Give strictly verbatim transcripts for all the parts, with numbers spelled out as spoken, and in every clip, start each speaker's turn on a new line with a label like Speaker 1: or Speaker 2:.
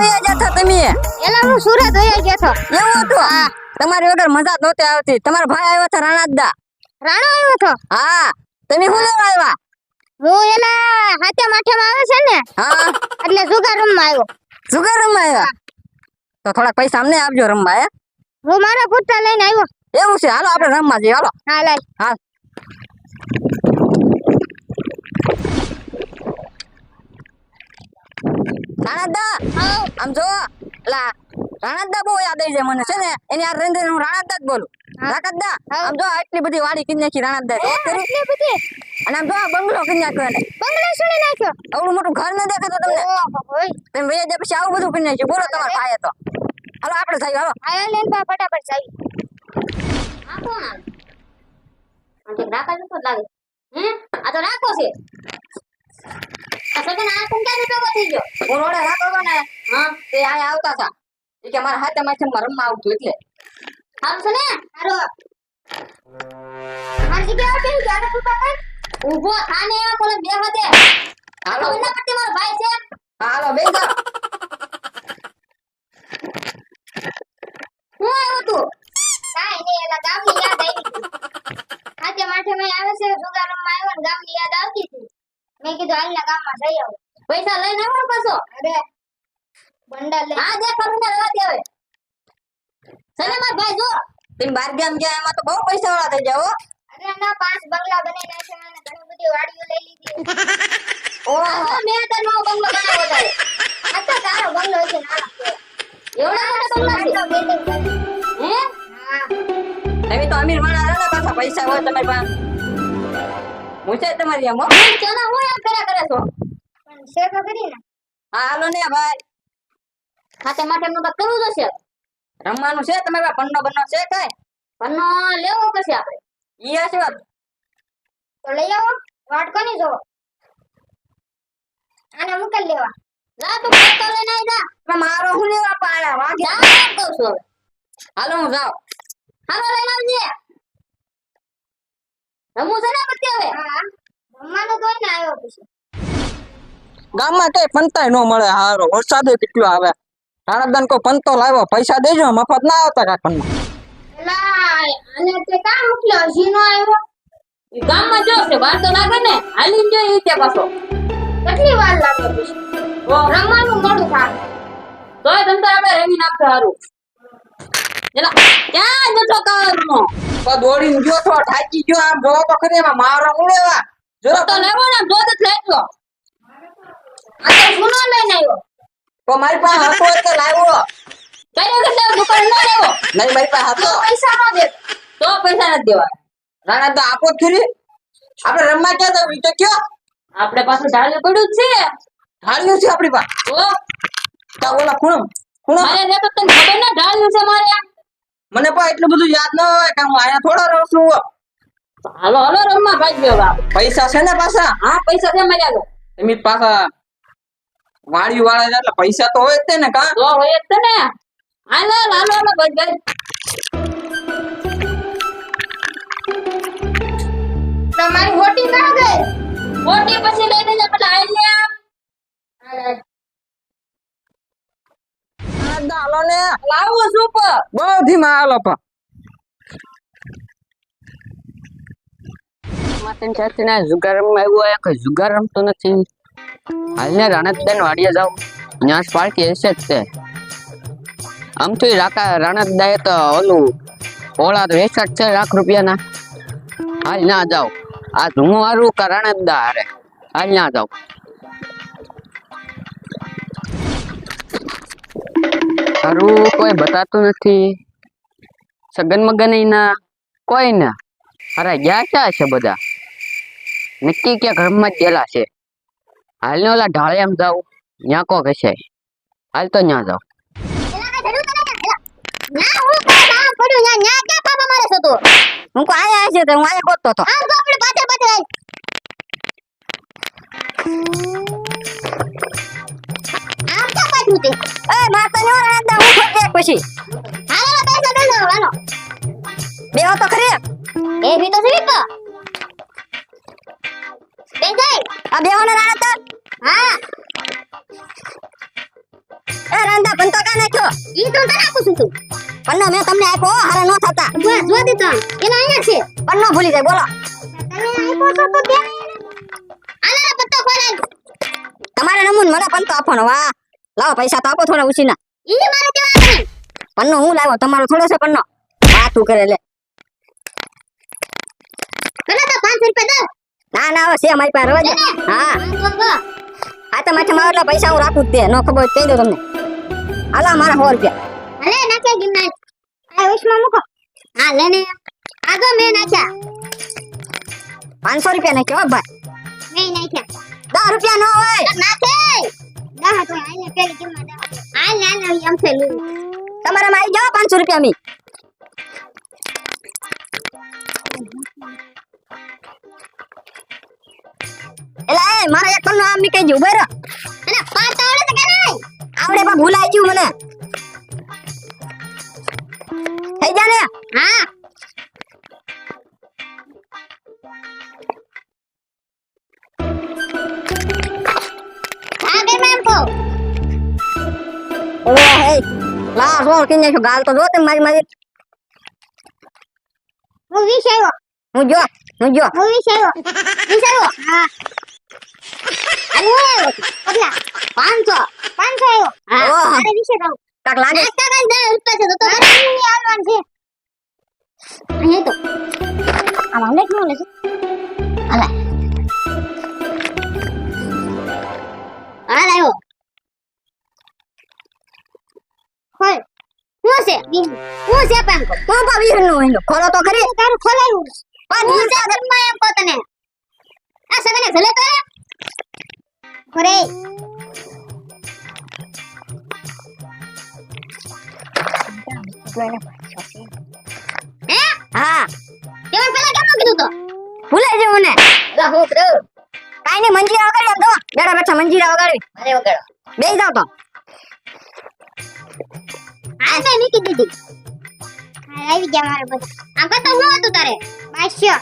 Speaker 1: વયા ગયા હતા તમે?
Speaker 2: એલા હું સુરત વયા ગયો તો.
Speaker 1: એવું હતું? હા. તમારી વગર મજા જ નહોતી આવતી. તમારા ભાઈ આવ્યો હતા રાણાદા.
Speaker 2: રાણો આવ્યો તો?
Speaker 1: હા. તમે શું લેવા આવ્યા?
Speaker 2: હું એલા હાથે માઠેમાં આવે છે ને,
Speaker 1: હા.
Speaker 2: એટલે જુગાર રમવા આવ્યો.
Speaker 1: જુગાર રમવા આવ્યા? તો થોડાક પૈસા અમને આપજો રમવા. હે,
Speaker 2: હું મારા પુત્ર લઈને આવ્યો.
Speaker 1: એવું છે? હાલો આપણે રમવા જઈએ. હાલો.
Speaker 2: હા લાય.
Speaker 1: હા. રાણાદા, આમ જો. લા રાણાદા બહુ યાદ આવી જાય મને છે ને. એની આ રેન્દ્ર હું રાણાદા જ બોલું. રાણાદા, આમ જો આટલી બધી વાડી કિન્યા નાખી રાણાદા.
Speaker 2: એટલી બધી.
Speaker 1: અને આમ જો આ બંગલો કિન્યા નાખ્યો એને.
Speaker 2: બંગલો સુણી નાખ્યો.
Speaker 1: આવડું મોટું ઘર ન દેખાતો તમને?
Speaker 2: ઓહો હોય.
Speaker 1: તમે વયા જાય પછી આવું બધું કિન્યા નાખ્યું. બોલો તમારા ભાઈએ તો. હાલો આપણે જઈએ. હાલો.
Speaker 2: આયા લેન પા ફટાફટ જાવી.
Speaker 3: આ કોણ આવે? આ તો રાખા જ તો લાગે. હે? આ તો રાખો છે. આ સગન આ કોણ ક્યાં બેઠો થઈ ગયો?
Speaker 1: હું રોડે રાખો ને.
Speaker 3: હા,
Speaker 1: તે આયા આવતા હતા. એ કે મારા હાથે માથે રમવા આવતું એટલે.
Speaker 3: સારું છે ને?
Speaker 2: હારો. મારી જગ્યાએ બેહી ગયા ને તું પાછળ.
Speaker 3: ઊભો થાને કોને બેહવા દે.
Speaker 1: હાલો.
Speaker 3: હાલો એના પટ્ટી મારો ભાઈ છે.
Speaker 1: હાલો બેસી જાઓ.
Speaker 3: હું આવ્યો તું?
Speaker 2: કાઈ નહીં, એલા ગામની યાદ આવી હતી. હાથે માઠેમાં આવે છે, જુગાર રમવા આવ્યો ને ગામની યાદ આવતી હતી. મેં કીધું હાલના ગામમાં જઈ આવું.
Speaker 3: પૈસા લઈને આવો પાછો.
Speaker 2: અરે બંડા લે.
Speaker 3: હા દે કરું ને રવા દે હવે. સને માર ભાઈ જો.
Speaker 1: તમે બાર ગામ ગયા એમાં તો બહુ પૈસા વાળા થઈ જાવ.
Speaker 2: અરે ના, પાંચ બંગલા બનાવી નાખ્યા અને ઘણી બધી વાડીઓ લઈ લીધી.
Speaker 3: ઓહો મેં તો નો બંગલો બનાવ્યો તારે.
Speaker 2: આ તો તારો બંગલો છે નાનો છે.
Speaker 3: એવડા મોટા બંગલા છે. હે?
Speaker 2: હા.
Speaker 1: તમે તો અમીર માણસ છો ને, પાછા પૈસા હોય તમારી પાસે. હું છે તમારી એમ હો.
Speaker 3: હું કેના હું એમ કર્યા કરે છો?
Speaker 2: પણ છે તો કરી ને.
Speaker 1: હા હાલો ને ભાઈ.
Speaker 3: ખાતે માટે નું તો કરવું જશે.
Speaker 1: રમવાનું છે તમારી પાસે? પન્નો બન્નો છે કઈ?
Speaker 3: પન્નો લેવો પછી આપણે.
Speaker 1: ઈ હશે વાત.
Speaker 2: તો લઈ આવો. વાટ કોની જોવો? આને મુકેલ લેવા.
Speaker 3: જા તું પત્તો લઈને આવી જા.
Speaker 1: પણ મારો હું લેવા પાડ્યા વાગે.
Speaker 3: જા એમ કહું છું હવે.
Speaker 1: હાલો હું જાઉં.
Speaker 3: હાલો લઈને આવજે. રમવું છે ને પછી હવે.
Speaker 2: હા. રમવાનું કોઈ ના આવ્યો પછી.
Speaker 1: ગામમાં કઈ પંતાય ન મળે. હારો વરસાદ કેટલો આવે. રાણાદાન કોઈ પંતો લાવ્યો, પૈસા દેજો, મફત ના આવતા કાકણમાં.
Speaker 2: એલા આને તે કામ મોકલ્યો, હજી નો આવ્યો.
Speaker 3: ઈ ગામમાં જો છે વાર તો લાગે ને. હાલીને જો ઈ તે પાછો.
Speaker 2: કેટલી વાર લાગે પછી?
Speaker 3: ઓ
Speaker 2: રમવાનું મોડું થાય.
Speaker 3: તોય તમ તો આપણે રમી નાખતો હારું. એલા ક્યાં જતો કારનો?
Speaker 1: તો દોડીને ગયો તો થાકી ગયો. આમ જોવો તો ખરી એમાં મારો ઉડેવા જો
Speaker 3: તો લેવો ને જો તો લેજો.
Speaker 2: આ તો સુનો લઈને આવ્યો.
Speaker 1: તો મારી પાસે હતો એટલે લાવ્યો.
Speaker 3: કઈ વખત દુકાન ન લેવો.
Speaker 1: નહીં મારી પાસે હતો.
Speaker 2: પૈસા નો દે.
Speaker 3: તો પૈસા નથી દેવા.
Speaker 1: રાણા તો આપો જ ખરી. આપણે રમવા ક્યાં તો ઈ તો કયો.
Speaker 3: આપણે પાછું ઢાળ્યું પડ્યું જ છે.
Speaker 1: ઢાળ્યું છે આપણી પાસે.
Speaker 3: ઓ
Speaker 1: તો ઓલા ખૂણમ ખૂણમ
Speaker 3: મારે ને તો તને ખબર ના ઢાળ્યું છે મારે.
Speaker 1: મને પણ એટલું બધું યાદ ન હોય કે હું અહીંયા થોડો રહું છું.
Speaker 3: હાલો હાલો રમવા ભાગ્યો બા.
Speaker 1: પૈસા છે ને પાછા?
Speaker 3: હા પૈસા છે મારી આગળ.
Speaker 1: એમ પાછા વાડી વાળા છે એટલે પૈસા તો હોય જ તે ને કા.
Speaker 3: તો હોય જ છે ને. હાલો હાલો હાલો બસ ગઈ.
Speaker 2: તમારી હોટી ના ગઈ.
Speaker 3: મોટી પછી લઈને જા પેલા આલ્યા.
Speaker 1: હાલો ને
Speaker 3: લાવો શું પર.
Speaker 1: બહુ ધીમા હાલો પણ. માતન ચાચી ના જુગાર રમવા આવ્યો હોય કે જુગાર રમતો નથી. હાલને રાણતદાન વાડીએ જાવ. ન્યાસ પાર્ટી હશે જ તે. આમ તો રાકા રાણતદાએ તો ઓલું ઓલા તો વેચાટ છે લાખ રૂપિયાના. હાલ ના જાવ. આ ધૂમો હારું કે રાણતદા હારે. હાલ ના જાવ. હારું કોઈ બતાતું નથી. સગન મગન ના કોઈ ના. અરે ગયા ક્યાં છે બધા? નક્કી ક્યાં ઘરમાં જ ગયેલા છે. હાલ ને ઓલા ઢાળે એમ જાવ. ત્યાં કોક હશે. હાલ તો ત્યાં જાવ.
Speaker 2: ના હું કોઈ ના પડ્યું ના ના કે પાપા મારે છો તું.
Speaker 1: હું કો આયા છે તો હું આયા ગોતતો તો.
Speaker 2: આમ તો આપણે પાછળ પાછળ આમ તો પાછું તે.
Speaker 1: એ માતા નો રાંદા હું ખોટ પછી.
Speaker 2: હાલો પૈસા દે લો હાલો.
Speaker 1: બેહો તો ખરી.
Speaker 2: એ ભી તો સહી તો. બે જાય.
Speaker 1: આ બેહો ને રાણા તો.
Speaker 2: હા.
Speaker 1: એ રાંદા
Speaker 3: ઈ તો તને આપું છું તું
Speaker 4: પન્નો મેં તમને આપ્યો હારે નો થતા
Speaker 3: બસ જો દીધો એનો અહીંયા છે
Speaker 4: પન્નો ભૂલી જાય બોલો
Speaker 2: તમે આપ્યો છો તો દે ને.
Speaker 3: આના પત્તો ખોલાય
Speaker 4: તમારે નમૂન મને પંતો આપવાનો વાહ લાવો પૈસા તો આપો થોડા ઉછીના
Speaker 3: ઈ મારે કેવા નહીં
Speaker 4: પન્નો હું લાવ્યો તમારો થોડો છે પન્નો વાતું કરે લે
Speaker 3: કને તો પાંચસો રૂપિયા દો
Speaker 4: ના ના હવે છે મારી પાસે રવા દે હા
Speaker 3: તો તો
Speaker 4: આ તો માથે મારો એટલા પૈસા હું રાખું જ દે નો ખબર હોય તો કહી દો તમને આલા મારા સો રૂપિયા
Speaker 3: ભલે નાખ્યા ગિરનાર
Speaker 2: આ ઉષ્મા મૂકો.
Speaker 3: હા લેને આગો મેં નાખ્યા
Speaker 4: પાંચસો રૂપિયા નાખ્યો હો ભાઈ
Speaker 3: મેં નાખ્યા
Speaker 4: દસ રૂપિયા નો હોય
Speaker 3: નાખે
Speaker 2: દા તો આઈને પેલી કિંમત દા.
Speaker 3: આ ના ના એમ છે લું
Speaker 4: તમારે માં આવી જાઓ પાંચસો રૂપિયા મી એલા એ મારા એક પન્નો આમ મી કહી દઉં બરો
Speaker 3: અને પાંચ આવડે તો કે નહીં
Speaker 4: આવડે પણ ભૂલાઈ ગયું મને થઈ જા ને
Speaker 3: હા આગળ મેં કહો
Speaker 4: ઓ હે લા સો કિને છો ગાલ તો જો તે મારી મારી
Speaker 2: હું વીસ આવ્યો.
Speaker 4: હું જો હું જો
Speaker 2: હું વીસ આવ્યો.
Speaker 3: વીસ આવ્યો
Speaker 2: હા.
Speaker 3: અને હું આવ્યો છું.
Speaker 2: કેટલા?
Speaker 3: પાંચસો
Speaker 2: પાંચસો આવ્યો.
Speaker 3: હા
Speaker 4: ઓહ
Speaker 2: મારે વીસે કહું.
Speaker 4: કાક લાગે
Speaker 3: નાસ્તા કાંઈ દસ રૂપિયા છે તો તો
Speaker 2: મારે નહીં આવવાનું છે.
Speaker 3: અહીંયા તો
Speaker 2: આમાં લેખ નો લેશે.
Speaker 3: હાલ આવ્યો
Speaker 2: ખોલ.
Speaker 3: શું છે શું છે પેન કો
Speaker 4: તો ભાવી નો હિંદો ખોલો તો ખરી
Speaker 2: તારું ખોલાયું.
Speaker 4: પણ
Speaker 3: હું છે ઘરમાં એમ કહો તને આ સગને ભલે તો રે
Speaker 2: ખરે.
Speaker 3: હે
Speaker 4: હા
Speaker 3: કેવન પેલા કેમ કીધું તો
Speaker 4: ભૂલાઈ ગયું મને
Speaker 3: લા હું કરો
Speaker 4: કાઈ ની મંજીરા વગાડી આમ તો બેઠા બેઠા મંજીરા વગાડી
Speaker 3: અરે વગાડો
Speaker 4: બેસી જાવ તો
Speaker 3: આ મેં મૂકી દીધી
Speaker 2: હા, આવી ગયા મારે બધા.
Speaker 3: આમ કહેતો હું હતું તારે
Speaker 2: બાસ્યો.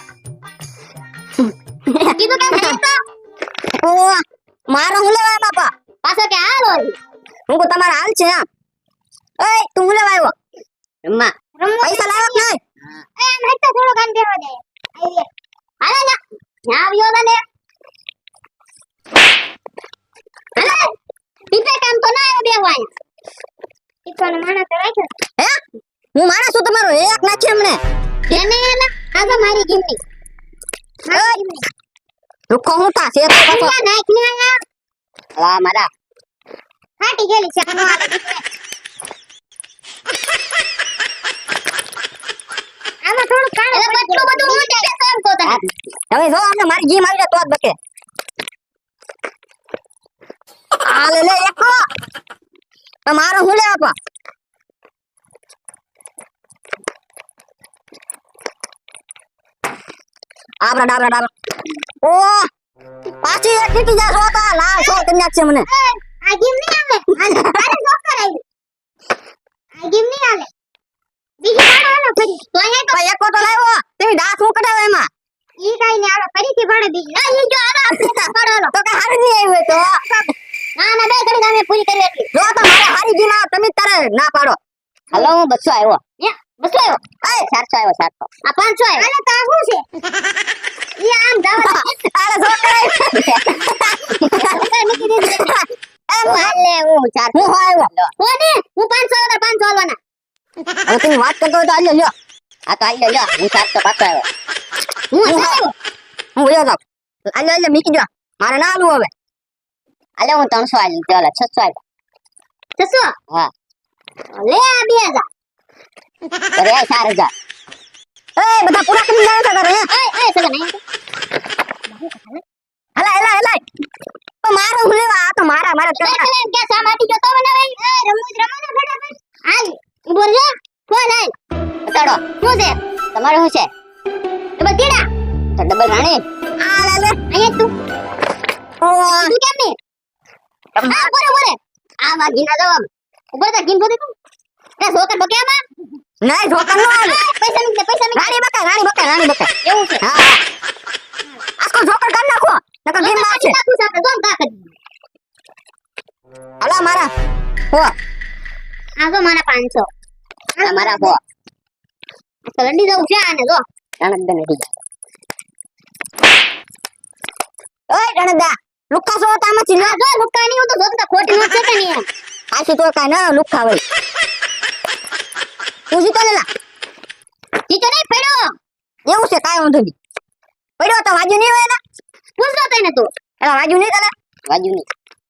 Speaker 3: કીધું કેમ હે તો
Speaker 4: ઓ મારો હું લેવા બાપા
Speaker 3: પાછો કે હાલો
Speaker 4: હું કો તમારા હાલ છે આમ ઓય તું હું લેવા આવ્યો
Speaker 3: રમ્મા
Speaker 2: રમવા
Speaker 4: પૈસા લાવ્યો કે નહીં
Speaker 2: એ આમ હેઠ તો થોડો કાન બેહવા દે. આવી ગયા.
Speaker 3: હાલે ના ન્યા આવ્યો તને હાલે પીપે કામ તો ના આવ્યો બેવાય
Speaker 2: ટીપાનો માણસ તો રાખ્યો.
Speaker 4: હે હું માણસ છું તમારો એક નાખી હમણે
Speaker 3: એને એને આ તો મારી ગિમની
Speaker 2: હા, એમની.
Speaker 4: રૂખો હું તા છે તો પાછો
Speaker 3: આ નાખ ને આયા
Speaker 4: લા મારા
Speaker 2: ફાટી ગયેલી છે. આનો હાથ દીકરે. આમાં થોડું કાણું
Speaker 3: એટલે
Speaker 2: પડી
Speaker 3: બટલું
Speaker 2: ગયું.
Speaker 3: બધું હું કે કેમ કહો તને
Speaker 4: હવે જો આપણે મારી જીમ આવી જાય તો જ બકે આ લે લે એક તમારો હું લે આપા આબરા ડાબરા ડાબરા ઓ પાછી એક નીકળી જા છો તો લાલ છો કન્યા છે મને
Speaker 2: એ, આ ગેમ નહીં આવે. આ તારે જોકર આવી. આ ગેમ નહીં આવે. બીજી પાડો હાલો ફરી.
Speaker 3: તો અહીંયા તો
Speaker 4: ભાઈ એક તો લાવ્યો તેવી દાંત હું કઢાવે એમાં
Speaker 2: ઈ કાંઈ નહીં, હાલો ફરીથી પાડો બીજી.
Speaker 3: આ ઈ જો આલો આપણે પાડો આલો
Speaker 4: તો કે હારી નહીં આવ્યો તો
Speaker 3: ના ના બે ઘડી તમે પૂરી કરી એટલી
Speaker 4: જો તો મારે હારી જીમ આવે તમે તારે ના પાડો હાલો હું બસો આવ્યો
Speaker 3: હે બસો આવ્યો
Speaker 4: એ ચારસો આવ્યો ચારસો
Speaker 3: આ પાંચસો આવ્યો
Speaker 2: હાલો તો આ શું છે? ઈ આમ જાવ તો.
Speaker 4: આલે જો કરાય
Speaker 2: મૂકી દીધી.
Speaker 4: એમ હાલે હું ચાર હું આવ્યો
Speaker 3: કોને હું પાંચસો આવ્યો પાંચસો આલવાના
Speaker 4: હવે તમે વાત કરતો હોય તો આલ્યો લ્યો આ તો આલ્યો લ્યો હું ચારસો પાછો આવ્યો
Speaker 3: હું
Speaker 4: હું
Speaker 3: આવ્યો
Speaker 4: હું વયો જાઉં આલ્યો આલ્યો મીકી દો મારે ના આલું હવે આલે હું ત્રણસો આલ્યું ચાલો છસો આવ્યો
Speaker 3: છસો
Speaker 4: હા
Speaker 3: લે આ બે હજાર
Speaker 4: અરે આ ચાર હજાર એ બધા પૂરા કરી જાય છે કરે
Speaker 3: એ એ સગન અહીં
Speaker 4: હલા હલા હલા તો મારો હું લેવા આ તો મારા મારા
Speaker 3: તો
Speaker 4: કરવા
Speaker 3: એટલે કે સા માટી જતો મને ભાઈ એ રમૂજ રમો ને ફટાફટ હાલ બોલ જા કોણ આય
Speaker 4: બતાડો
Speaker 3: શું છે
Speaker 4: તમારે શું છે
Speaker 3: તો બતીડા
Speaker 4: તો ડબલ રાણી આ લે લે
Speaker 3: અહીંયા તું
Speaker 4: ઓ
Speaker 3: તું કેમ ને આ બોરે બોરે
Speaker 4: આ વાગીના જવાબ
Speaker 3: ઉપર તા ગીન બોલે તું એ સોકર બકેમાં
Speaker 4: નહીં જોકર નો આવે
Speaker 3: પૈસા મિલ પૈસા મિલ
Speaker 4: રાણી બકે રાણી બકે રાણી બકે
Speaker 3: એવું છે
Speaker 4: હા આsko જોકર કરી નાખો નકર ગેમ માં છે
Speaker 3: નાખું છે આપણે જોમ તાકત
Speaker 4: હલા મારા હો
Speaker 3: આ જો મારા પાંચસો
Speaker 4: આ મારા હો
Speaker 3: તો લડી દઉં છે આને જો
Speaker 4: રણદા નથી જાય ઓય રણદા લુક્કા સો તામાં ચીલો
Speaker 3: આ જો લુક્કા ની હું તો જોતા ખોટી નોટ છે કે નહીં એમ
Speaker 4: આશી તો કાઈ ના લુક્કા હોય તું જીતો લેલા
Speaker 3: જીતો નહીં પડ્યો
Speaker 4: એવું છે કાઈ વાંધો નહીં પડ્યો તો વાજુ નહીં હોય ને
Speaker 3: પૂછતો તને તું
Speaker 4: એલા વાજુ નહીં તને વાજુ નહીં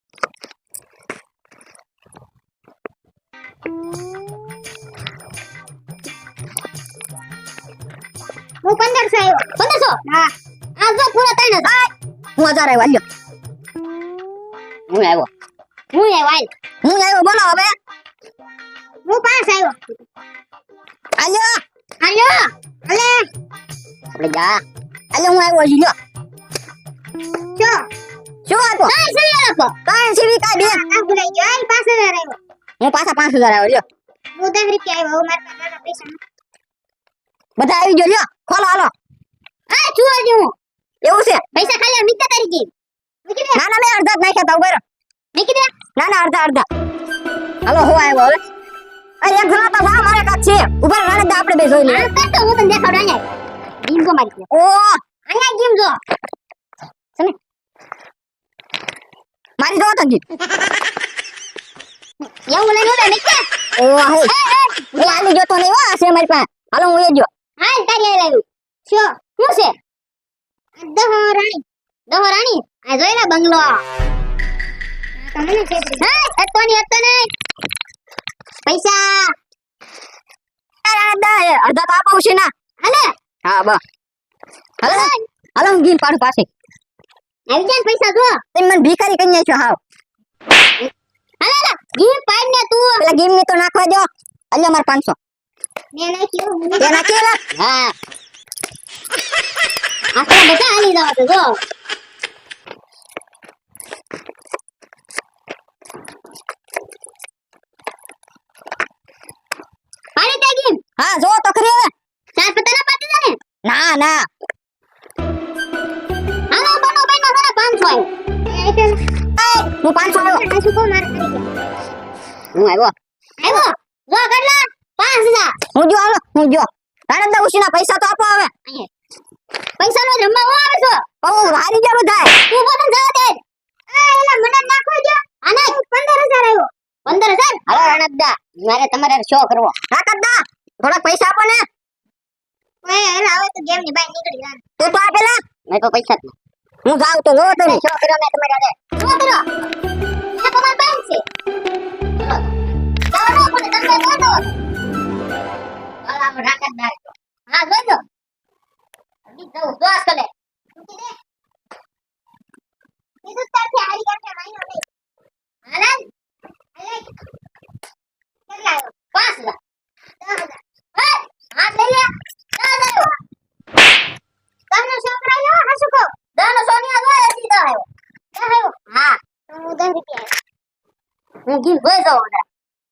Speaker 3: હું પંદરસો આવ્યો પંદરસો હા આ જો પૂરો ત્રણ હજાર
Speaker 4: હું હજાર આવ્યો હાલ્યો હું આવ્યો
Speaker 3: હું એ વાલ
Speaker 4: હું આવ્યો બોલો હવે
Speaker 3: હું પાંચ આવ્યો
Speaker 4: હાલ્યો
Speaker 3: હાલ્યો હલે
Speaker 4: આપણે જા હાલ્યો હું આવ્યો હજી લ્યો
Speaker 3: ચો
Speaker 4: શું આપો
Speaker 3: કાઈ સવી લખો
Speaker 4: કાઈ સીવી કાઈ બે
Speaker 3: આ ભૂલાઈ ગયો આ પાંચ હજાર આવ્યો
Speaker 4: હું પાછા પાંચ હજાર આવ્યો લ્યો
Speaker 3: હું દસ રૂપિયા આવ્યો મારા પાસે નાના પૈસા
Speaker 4: બધા આવી ગયો લ્યો ખોલો હાલો
Speaker 3: આ છુઓ જો
Speaker 4: એવું છે
Speaker 3: પૈસા ખાલી મિત્તા તારીખે મૂકી દે
Speaker 4: ના ના મેં અડધા જ નાખ્યા તા ઉભેરો
Speaker 3: મૂકી દે
Speaker 4: ના ના અડધા અડધા હાલો હું આવ્યો હવે અરે એક જણા તો જા મારે કાક છે ઉભા રાણે આપણે બે જોઈ લઈએ
Speaker 3: આ કરતો હું તને દેખાડો અહીંયા ગીમ જો મારી
Speaker 4: ઓ
Speaker 3: અહીંયા ગીમ જો તમે
Speaker 4: મારી જો તંગી
Speaker 3: એવું લઈને ઉડે નીકળ
Speaker 4: ઓ હે એ આલી જોતો નહીં હો આ છે મારી પાસે હાલો હું એ જો
Speaker 3: હાલ તારી આઈ લાવ્યું શું શું છે દહો રાણી દહો રાણી આ જોઈ લે બંગલો આ તમને છે હા હતો ની હતો ને પૈસા
Speaker 4: અરે અડધા હે અડધા તો આપો છે ના
Speaker 3: હાલે
Speaker 4: હા બસ હાલો હાલો હું ગીન પાડું પાસે
Speaker 3: આવી જાય ને પૈસા જો
Speaker 4: તમે મને ભિખારી કરી નાખ્યો હાવ
Speaker 3: હાલે હાલે ગીમ પાડ ને તું
Speaker 4: પેલા ગીમ ની તો નાખવા દો અલ્યો માર પાંચસો
Speaker 3: મે નાખ્યું
Speaker 4: તે નાખેલા
Speaker 3: હા આ તો બધા હાલી જાવ તો જો પાડી દે ગીમ
Speaker 4: હા જો તો ખરી હવે
Speaker 3: ચાર પત્તા ના પાડી દે ને
Speaker 4: ના ના
Speaker 3: હાલો બનો બનો સારા પાંચસો આવ્યો
Speaker 4: હું પાંચસો આવ્યો
Speaker 3: આ શું કો માર કરી ગયા
Speaker 4: હું આવ્યો
Speaker 3: આવ્યો જો કેટલા પાંચ હજાર
Speaker 4: હું જો હાલો હું જો રાણંદા ઉશીના પૈસા તો આપો હવે
Speaker 3: પૈસા નો જમવા હું આવે છો
Speaker 4: ઓ હારી ગયો થાય
Speaker 3: તું બોલ જવા દે આ એલા મને નાખો જો આને પંદર હજાર આવ્યો પંદર હજાર
Speaker 4: હાલો રાણંદા મારે તમારે શો કરવો રાકતદા થોડા પૈસા આપો ને
Speaker 3: ઓય એલા હવે તો ગેમ ની બહાર નીકળી જા
Speaker 4: તું તો આપેલા મેં તો પૈસા જ નહીં હું જાઉં તો જોવો તમે શો કર્યો મેં તમારે આજે
Speaker 3: શું કરો એ તમાર બેંક છે ચાલો પણ તમે બોલો હાલ આમ રાખત દાર હા જોજો અભી તો દોસ કરે મૂકી દે કીધું તારથી હારી કરશે માઈનો નહીં હાલ હાલ કેટલા આવ્યો પાંચ હજાર દસ હજાર હે હાથ લઈ લે દસ હજાર તમને છોકરાયો હસુ કો દસ સોનિયા દો એસી દસ આવ્યો દસ આવ્યો હા તો હું દસ રૂપિયા આવ્યો હું ગીમ ભોય જાઉં અંદર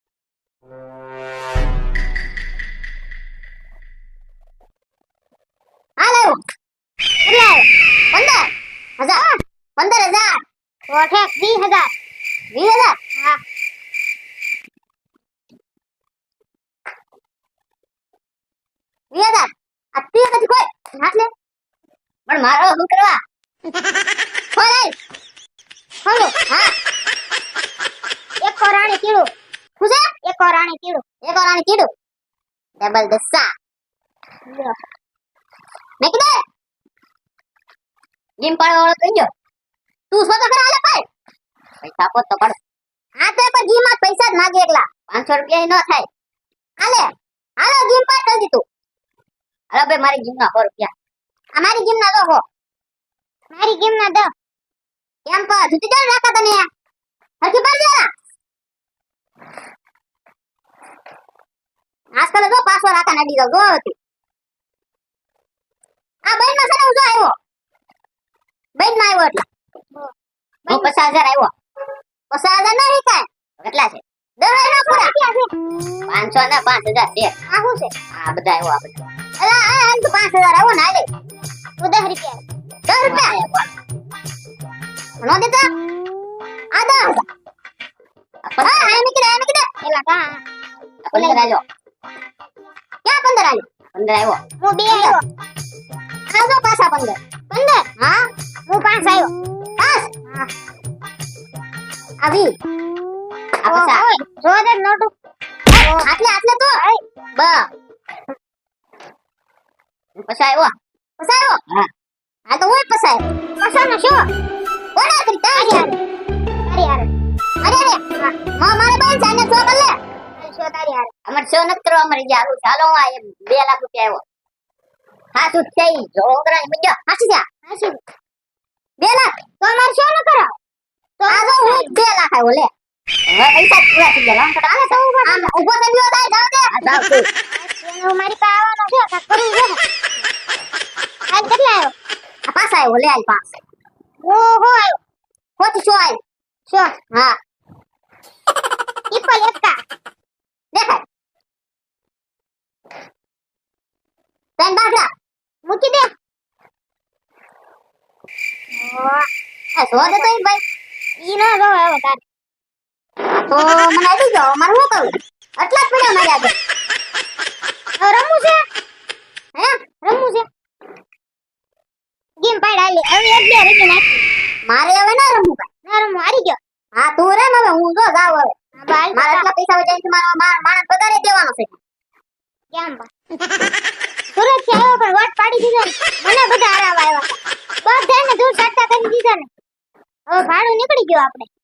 Speaker 3: હાલ આવ્યો કેટલા આવ્યો પંદર હજાર પંદર હજાર ઓઠે વીસ હજાર વીસ હજાર હા વીસ હજાર આ ત્રીસ પછી કોઈ હાથ લે પણ મારો શું કરવા ખોલ ખોલો હા એક કોરાણી કીડું શું છે એક કોરાણી કીડું એક કોરાણી કીડું ડબલ દસ્સા મેં કીધું ગેમ પાડવા વાળો કહી ગયો તું શું તો ખરા હાલે પાડ પૈસા આપો તો પાડ હા તો પણ ગેમ માં પૈસા જ માગે એકલા પાંચસો રૂપિયા ન થાય હાલે હાલો ગેમ પાડ કરી દીધું હાલો ભાઈ મારી ગેમ ના સો રૂપિયા આ મારી ગેમ ના દો હો મારી ગેમ ના દો કેમ પર જુતી જાણ રાખા તને હરકી પર જરા આજકાલ જો પાછો રાખા નડી જાવ જો હતી આ બેન માં સને ઉજો આવ્યો બેન માં આવ્યો એટલે હું પચાસ હજાર આવ્યો પચાસ હજાર નહીં કાય કેટલા છે દસ હજાર પૂરા પાંચસો ને પાંચ હજાર છે આ શું છે આ બધા આવ્યો આ બધા અલા આ હાલ તો પાંચ હજાર આવ્યો ને હાલે તું દસ રૂપિયા દસ રૂપિયા નો દેતા આ દસ હા હા મેં કીધા મેં કીધા એલા કા
Speaker 4: પંદર આલ્યો.
Speaker 3: ક્યાં પંદર આલ્યો?
Speaker 4: પંદર આવ્યો.
Speaker 3: હું બે આવ્યો. આવજો પાછા પંદર. પંદર? હા. હું પાંચ આવ્યો. પાંચ? હા. આવી.
Speaker 4: આ પૈસા.
Speaker 3: ઓય, જો દે નોટું. આટલે આટલે તો. બ.
Speaker 4: પછી આવ્યો.
Speaker 3: પસાયો?
Speaker 4: હા.
Speaker 3: હા તો હું પસાયો. પસાનો શું? કોના કરી તારી યાર. તારી યાર. અરે અરે. હા. માં મારે બેન જાને છો કર લે. શું તારી યાર?
Speaker 4: અમારે શો નથી કરવા અમારે જે હાલું ચાલો હું આ બે લાખ રૂપિયા આવ્યો. હા તું થઈ જોગરા ની મજા.
Speaker 3: હાસી જા. હાસી. બે લાખ. તો અમાર શું ન કરાવ? તો આ જો હું બે લાખ આવ્યો લે.
Speaker 4: હવે પૈસા પૂરા થઈ ગયા. લાવ
Speaker 3: હાલે તો ઉભો આમ ઉભો થઈ ગયો થાય જાવ દે.
Speaker 4: આ જાવ તું.
Speaker 3: એનો મારી પાસે આવવાનો છે કાક કરું જો. આજ કેટલા આવ્યો?
Speaker 4: આ પાછા આવ્યો લે આલ પાસ.
Speaker 3: ઓહો આવ્યો.
Speaker 4: હોતી શું આવ્યો?
Speaker 3: શું?
Speaker 4: હા
Speaker 3: ઇક્વલ એકા.
Speaker 4: દેખાય.
Speaker 3: તન બાગડા મૂકી દે.
Speaker 4: આ સો દે તો ઈ ભાઈ.
Speaker 3: ઈ ના જો આવ્યો તાર.
Speaker 4: તો મને આવી ગયો મારે શું કરું?
Speaker 3: આટલા જ પડ્યા મારી આગળ. હવે રમવું છે? હે? રમવું છે? ગેમ પાડ આલી. હવે એક બે રમી નાખ.
Speaker 4: મારે હવે ના રમવું ભાઈ.
Speaker 3: ના રમવું હારી ગયો.
Speaker 4: હા તું રેમ હવે હું જો જાવ હવે.
Speaker 3: હા બાલ
Speaker 4: મારા એટલા પૈસા વજાઈને છે મારો મા- માણસ પગારે દેવાનો છે.
Speaker 3: કેમ બા? સુરત થી આવ્યો પણ વોટ પાડી દીધો ને. મને બધા હરાવા આવ્યા. બધાને દૂર સાટતા કરી દીધા ને. હવે ભાડું નીકળી ગયું આપણે.